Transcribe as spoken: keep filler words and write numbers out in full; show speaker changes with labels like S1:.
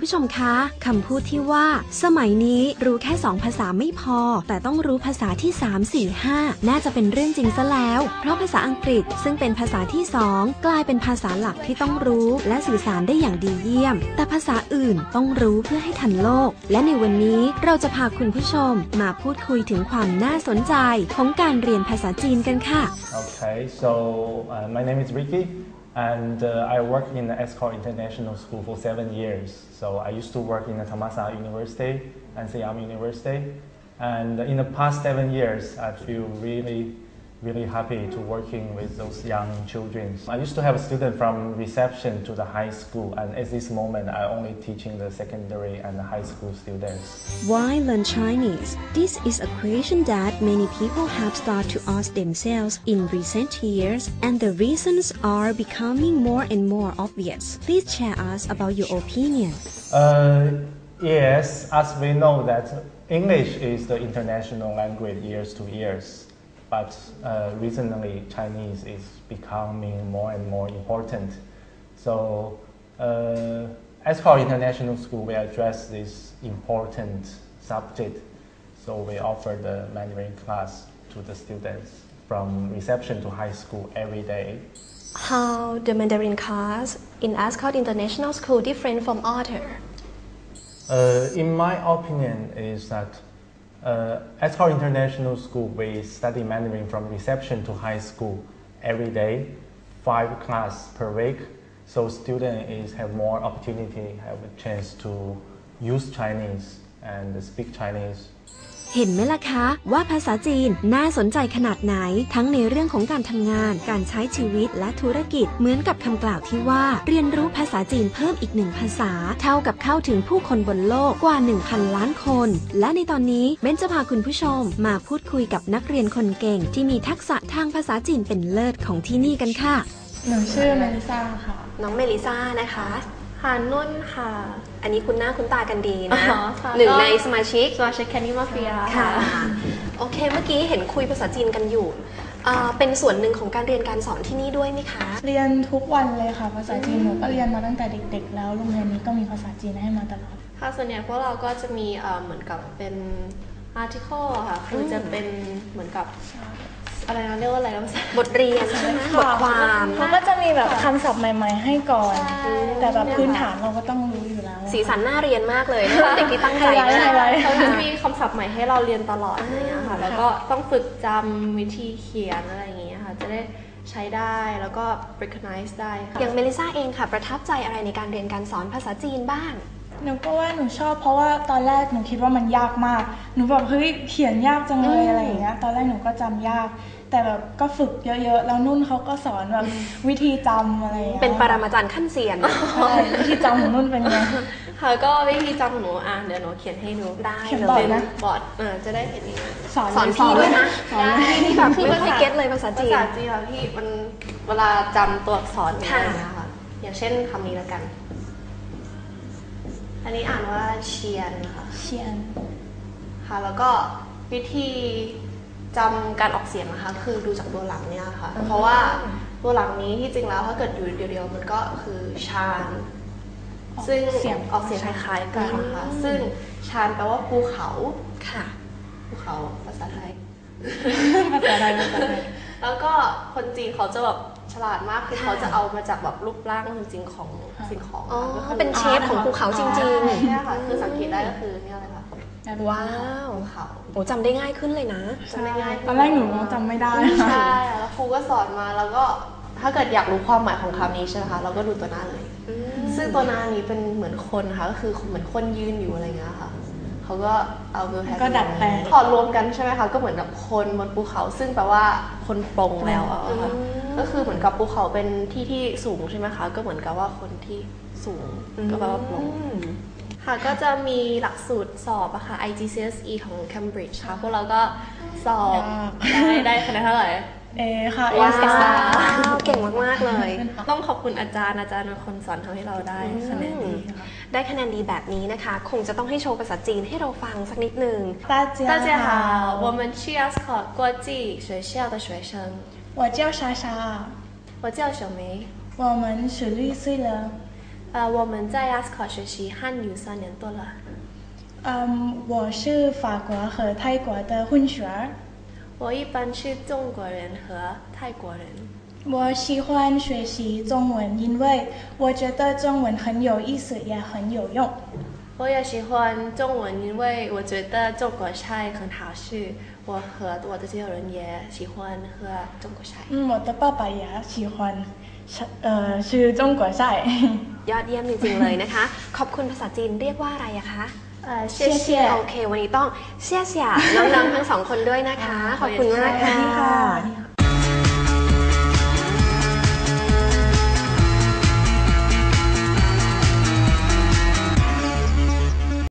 S1: ผู้ชมคะคำพูดที่ว่าสมัยนี้รู้แค่สองภาษาไม่พอแต่ต้องรู้ภาษาที่สาม สี่ ห้าน่าจะเป็นเรื่องจริงซะแล้วเพราะภาษาอังกฤษซึ่งเป็นภาษาที่สองกลายเป็นภาษาหลักที่ต้องรู้และสื่อสารได้อย่างดีเยี่ยมแต่ภาษาอื่นต้องรู้เพื่อให้ทันโลกและในวันนี้เราจะพาคุณผู้ชมมาพูดคุยถึงความน่าสนใจของการเรียนภาษาจีนกันค่ะ
S2: Okay, so uh, my name is Ricky and uh, I worked in the Escort International School for seven years. So I used to work in the Thammasat University and Siam University. And in the past seven years, I feel really, really happy to working with those young children. I used to have a student from reception to the high school, and at this moment, I only teaching the secondary and the high school students.
S1: Why learn Chinese? This is a question that many people have started to ask themselves in recent years, and the reasons are becoming more and more obvious. Please share us about your opinion.
S2: Uh, yes, as we know that English is the international language years to years, but uh, recently Chinese is becoming more and more important. So uh, Escort International School, we address this important subject. So we offer the Mandarin class to the students from reception to high school every day.
S3: How the Mandarin class in Escort International School different from other?
S2: Uh, in my opinion, is that uh, Escort International School, we study Mandarin from reception to high school every day, five class per week. So students is have more opportunity, have a chance to use Chinese and speak Chinese.
S1: เห็นไหมล่ะคะว่าภาษาจีนน่าสนใจขนาดไหนทั้งในเรื่องของการทำงานการใช้ชีวิตและธุรกิจเหมือนกับคำกล่าวที่ว่าเรียนรู้ภาษาจีนเพิ่มอีกหนึ่งภาษาเท่ากับเข้าถึงผู้คนบนโลกกว่า หนึ่งพัน ล้านคนและในตอนนี้เบนจะพาคุณผู้ชมมาพูดคุยกับนักเรียนคนเก่งที่มีทักษะทางภาษาจีนเป็นเลิศของที่นี่กันค่ะ
S4: หนูชื่อเมลิซ่าค่ะ
S3: น้องเมลิซ่านะคะ
S4: ค่ะนุ่นค่ะ
S3: อันนี้คุณหน้าคุณตากันดีนะหนึ่งในสมาชิก
S4: สมาชิกแคนนี่มาเฟีย
S3: ค่ะโอเคเมื่อกี้เห็นคุยภาษาจีนกันอยู่เป็นส่วนหนึ่งของการเรียนการสอนที่นี่ด้วยไหมคะ
S4: เรียนทุกวันเลยค่ะภาษาจีนหนูก็เรียนมาตั้งแต่เด็กๆแล้วโรงเรียนนี้ก็มีภาษาจีนให้มาตลอด
S5: ค่ะส่วนใหญ่พวกเราก็จะมีเหมือนกับเป็น article ค่ะคือจะเป็นเหมือนกับอะไรนะเรียกว่าอะไรนะ
S3: บทเรียนใช่ไหมบทความ
S4: เขาก็จะมีแบบคำศัพท์ใหม่ๆให้ก่อนแต่แบบพื้นฐานเราก็ต้องรู้อยู่แล้ว
S3: สีสันน่าเรียนมากเลยนะคะเด็กที่ตั้งใจมาก
S5: เขาจะมีคำศัพท์ใหม่ให้เราเรียนตลอดอย่างเงี้ยค่ะแล้วก็ต้องฝึกจำวิธีเขียนอะไรอย่างเงี้ยค่ะจะได้ใช้ได้แล้วก็ recognize ได้ค่ะ
S3: อย่างเมลิซ่าเองค่ะประทับใจอะไรในการเรียนการสอนภาษาจีนบ้าง
S4: หนูก็ว่าหนูชอบเพราะว่าตอนแรกหนูคิดว่ามันยากมากหนูแบบเฮ้ยเขียนยากจังเลยอะไรอย่างเงี้ยตอนแรกหนูก็จำยากแต่แบบก็ฝึกเยอะๆแล้วนุ่นเขาก็สอนแบบวิธีจำอะไร
S3: เป็นปรมาจารย์ขั้นเซียน
S4: วิธีจำของนุ่นเป็นไง
S5: ค่ะก็วิธีจำหนูอ่ะเดี๋ยวหนูเขียนให้ดู
S3: ได้
S4: เลย
S5: นะบอร์ดเออจะได้เห็นนี่
S3: สอนสอนพี่ด้วยนะได้นี่แบบไม่ค่อยเก็ตเลยภาษาจีน
S5: ภาษาจีนค่ะพี่มันเวลาจำตัวอักษรเนี่ยนะคะอย่างเช่นคำนี้แล้วกันอันนี้อ่านว่าเชียนค่ะ
S4: เชียน
S5: ค่ะแล้วก็วิธีจำการออกเสียงนะคะคือดูจากตัวหลังเนี่ยค่ะเพราะว่าตัวหลังนี้ที่จริงแล้วถ้าเกิดอยู่เดียวๆมันก็คือชานซึ่งเสียงออกเสียงคล้ายๆกันนะคะซึ่งชานแปลว่าภูเขา
S3: ค่ะ
S5: ภูเขาภาษาไทย
S4: ภาษาไทยภาษาไทย
S5: แล้วก็คนจีนเขาจะแบบฉลาดมากคือเขาจะเอามาจากแบบรูปร่างจริงๆของสิ่งของ
S3: ก็เป็นเชฟของภูเขาจริง
S5: ๆใช่ค่ะคือสังเกตได้ก็คือเนี่ยเลยค่ะ
S3: ว้าวเขาโอ้จำได้ง่ายขึ้นเลยนะ
S5: จำได้ง่าย
S4: ตอนแรกหนูจำไม่ได้
S5: ใช่แล้วครูก็สอนมาแล้วก็ถ้าเกิดอยากรู้ความหมายของคำนี้ใช่ไหมคะเราก็ดูตัวหน้าเลยซึ่งตัวหน้านี้เป็นเหมือนคนค่ะก็คือเหมือนคนยืนอยู่อะไรเงี้ยค่ะเขาก็เอาเวลแฮป
S4: ก็ดัดแปลง
S5: ถอดรวมกันใช่ไหมคะก็เหมือนแบบคนบนภูเขาซึ่งแปลว่าคนปรงแล้วอะค่ะก็คือเหมือนกับภูเขาเป็นที่ที่สูงใช่ไหมคะก็เหมือนกับว่าคนที่สูงก็แปลว่าปรงค่ะก็จะมีหลักสูตรสอบอะค่ะ ไอ จี ซี เอส อี ของ Cambridge ค่ะพวกเราก็สอบได้ได้คะแนนเท่าไหร่
S4: เอค่ะ
S3: ว้าวเก่งมากๆเลย
S5: ต้องขอบคุณอาจารย์อาจารย์เป็นคนสอนทำให้เราได้คะแนนดี
S3: ได้คะแนนดีแบบนี้นะคะคงจะต้องให้โชว์ภาษาจีนให้เราฟังสักนิดนึง
S5: 大家好我们是 Escort 国际学校的学生
S4: 我叫莎莎
S5: 我叫小梅
S4: 我们十六岁了
S5: 呃呃，我们在 a s c o 学习汉语三年多了。
S4: 嗯，我是法国和泰国的混血儿。
S5: 我一般是中国人和泰国人。
S4: 我喜欢学习中文，因为我觉得中文很有意思，也很有用。
S5: 我也喜欢中文，因为我觉得中国菜很好吃。我和我的家人也喜欢喝中国菜。
S4: 嗯，我的爸爸也喜欢呃吃中国菜。
S3: ยอดเยี่ยมจริงๆเลยนะคะขอบคุณภาษาจีนเรียกว่าอะไรอะคะ
S5: 呃，谢谢。
S3: โอเควันนี้ต้องเชี่ยเสี่ยน้องๆทั้งสองคนด้วยนะคะขอบคุณมากค่ะ